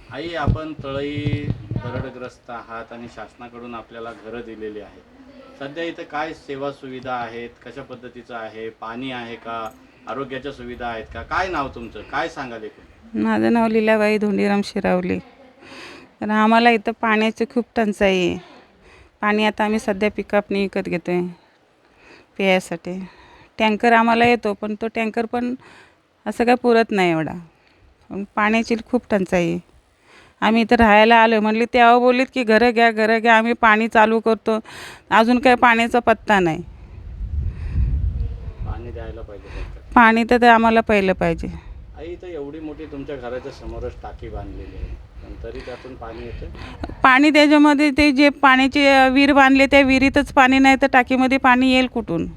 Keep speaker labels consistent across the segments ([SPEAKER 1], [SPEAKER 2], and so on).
[SPEAKER 1] आई, आपण तळई दरडग्रस्त आहात आणि शासनाकडून आपल्याला घरं दिलेली आहेत. सध्या इथं काय सेवा सुविधा आहेत, कशा पद्धतीचं आहे, पाणी आहे का, आरोग्याच्या सुविधा आहेत का? काय नाव तुमचं, काय सांगाल एकूण?
[SPEAKER 2] माझं नाव लीलाबाई धोंडीराम शिरावली. तर आम्हाला इथं पाण्याची खूप टंचाई आहे. पाणी आता आम्ही सध्या पिकअपने विकत घेतो आहे प्यायसाठी. टँकर आम्हाला येतो, पण तो टँकर पण असं काय पुरत नाही एवढा. पण पाण्याची खूप टंचाई आहे. आम्ही इथं राहायला आलो म्हणले, तेव्हा बोललीत की घरं घ्या घरं घ्या, आम्ही पाणी चालू करतो. अजून काय पाण्याचा पत्ता नाही.
[SPEAKER 1] पाणी द्यायला पाहिजे फक्त.
[SPEAKER 2] पाणी तर ते आम्हाला पहिलं पाहिजे.
[SPEAKER 1] आई, इथं एवढी मोठी तुमच्या घराच्या समोरच टाकी बांधलेली आहे, पण तरी त्यातून पाणी येतं?
[SPEAKER 2] पाणी त्याच्यामध्ये ते जे पाण्याची विहीर बांधले त्या विहिरीतच पाणी नाही तर टाकीमध्ये पाणी येईल कुठून?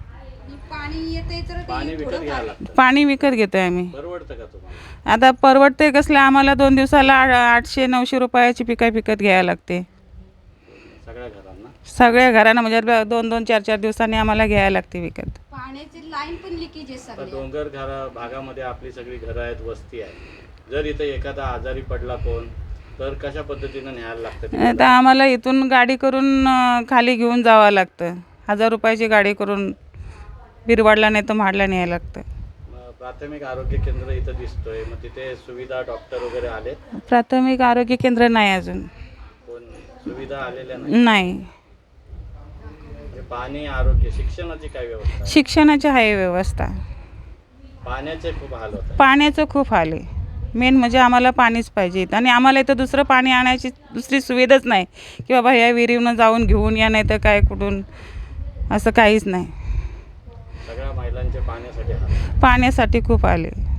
[SPEAKER 1] पाणी विकत घ्यायला लागतं.
[SPEAKER 2] पाणी विकत घेतो आहे आम्ही.
[SPEAKER 1] परवडतं का तुम्हाला?
[SPEAKER 2] आता परवडते कसलं, आम्हाला 2 दिवसाला 800-900 रुपयाची पिकाय विकत घ्यायला लागते.
[SPEAKER 1] सगळ्या घरांना?
[SPEAKER 2] सगळ्या घरांना म्हणजे 2-2, 4-4 दिवसांनी आम्हाला घ्यायला लागते विकत.
[SPEAKER 3] पाण्याची लाईन पण लिकेज आहे
[SPEAKER 1] आता
[SPEAKER 3] सगळ्या.
[SPEAKER 1] डोंगर भागामध्ये आपली सगळी घरं आहेत, वस्ती आहे. जर इथं एखादा आजारी पडला कोण, तर कशा पद्धतीनं न्यायला लागतं
[SPEAKER 2] आता
[SPEAKER 1] तिकडं?
[SPEAKER 2] आम्हाला इथून गाडी करून खाली घेऊन जावं लागतं. 1000 रुपयाची गाडी करून बिरवाडला नाही तर म्हाडला न्यायला लागतं.
[SPEAKER 1] मग प्राथमिक आरोग्य केंद्र इथं दिसतोय, मग तिथे सुविधा, डॉक्टर वगैरे आले?
[SPEAKER 2] प्राथमिक आरोग्य केंद्र नाही अजून.
[SPEAKER 1] कोण सुविधा आलेल्या नाही?
[SPEAKER 2] नाही.
[SPEAKER 1] म्हणजे पाणी, आरोग्य, शिक्षणाची काय व्यवस्था आहे?
[SPEAKER 2] शिक्षणाची आहे व्यवस्था.
[SPEAKER 1] पाण्याचे खूप हाल होत आहे.
[SPEAKER 2] पाण्याचं खूप हाल आहे. मेन म्हणजे आम्हाला पाणीच पाहिजे आणि आम्हाला इथं दुसरं पाणी आणायची दुसरी सुविधाच नाही की बाबा ह्या विहिरीवरून जाऊन घेऊन या, नाही तर काय कुठून, असं काहीच नाही.
[SPEAKER 1] सगळ्या महिलांचे पाण्यासाठी हाल.
[SPEAKER 2] पाण्यासाठी खूप आले.